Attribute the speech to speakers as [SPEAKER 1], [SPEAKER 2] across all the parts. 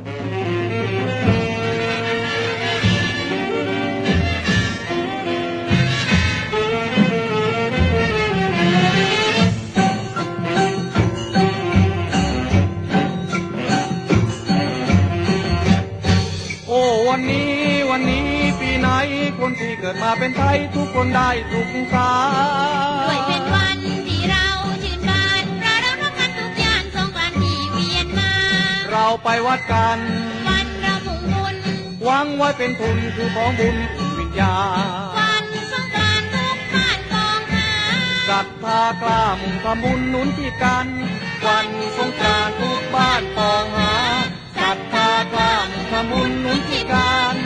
[SPEAKER 1] วันนี้ปีไหนคนที่เกิดมาเป็นไทยทุกคนได้สุขสันต์
[SPEAKER 2] ด้วยเป็นวันที่เราชื่นบานเราทำกันทุกอย่างสงกรานต์ที่เวียนมา
[SPEAKER 1] เราไปวัดกัน
[SPEAKER 2] วันเรามุ่งบุญ
[SPEAKER 1] หวังไว้เป็นทุนคือของบุญวิญญา
[SPEAKER 2] วันสงกรานต์ทุกบ้านปองหา
[SPEAKER 1] ศรัทธากล้ามุ่งทำบุญหนุนที่กันวันสงกรานต์ทุกบ้านปองหาศรัทธากล้ามุ่งทำบุญหนุนที่กัน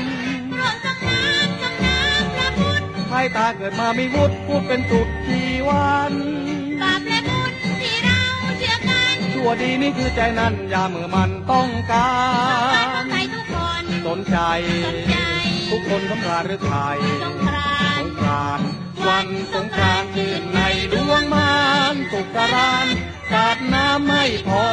[SPEAKER 1] ไทยตาเกิดมามีวุฒิพูดเป็นสุดชีวัน
[SPEAKER 2] บาปและบุญที่เราเชื่อกัน
[SPEAKER 1] ชั่วดีนี่คือใจนั้นอย่าเมื่อมันต้องการ
[SPEAKER 2] ใครทุกคน
[SPEAKER 1] สนใจทุกคนสำราญหรือไทย
[SPEAKER 2] สงกรานต์
[SPEAKER 1] วันสงกรานต์ชื่นในดวงมานสุขสรานต์สาดน้ำไม่พอ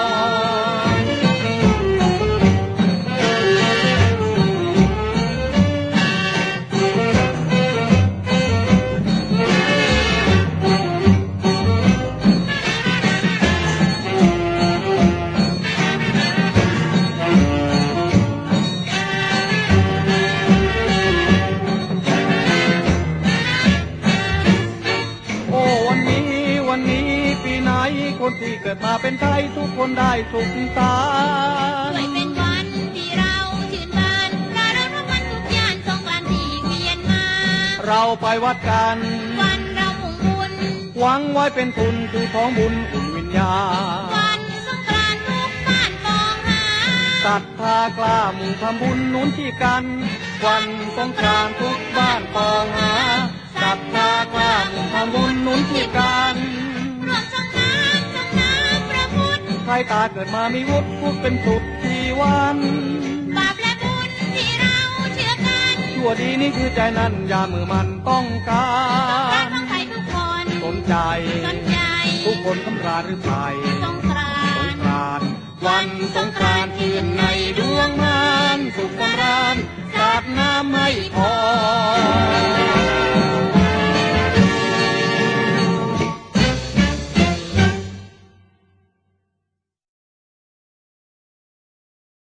[SPEAKER 1] คนที่เกิดมาเป็นไทยทุกคนได้สุขสันต์
[SPEAKER 2] ด้วยเป็นวันที่เราชื่นบานเราทำกันทุกอย่างสงกรานต์ที่เวียนมา
[SPEAKER 1] เราไปวัดกัน
[SPEAKER 2] วันเรามุ่งบุญ
[SPEAKER 1] หวังไว้เป็นทุนคือของบุญอุ่นวิญญา
[SPEAKER 2] วันสงกรานต์ทุกบ้านปองหา
[SPEAKER 1] ศรัทธากล้ามุ่งทำบุญหนุนที่กันวันสงกรานต์ทุกบ้านปองหาศรัทธากล้ามุ่งทำบุญหนุนที่กันใครตาเกิดมามีวุฒิพูดเป็นสุดชีวัน
[SPEAKER 2] บาปและบุญที่เราเชื่อกัน
[SPEAKER 1] ชั่วดีนี่คือใจนั้นอย่ามือมันต้องการ
[SPEAKER 2] ต้องใครทุกคน
[SPEAKER 1] สนใจทุกคนสำราญหรือไทย
[SPEAKER 2] สงกรานต์
[SPEAKER 1] วันสงกรานต์ชื่นในดวงมานสุขสำราญสาดน้ำไม่พอ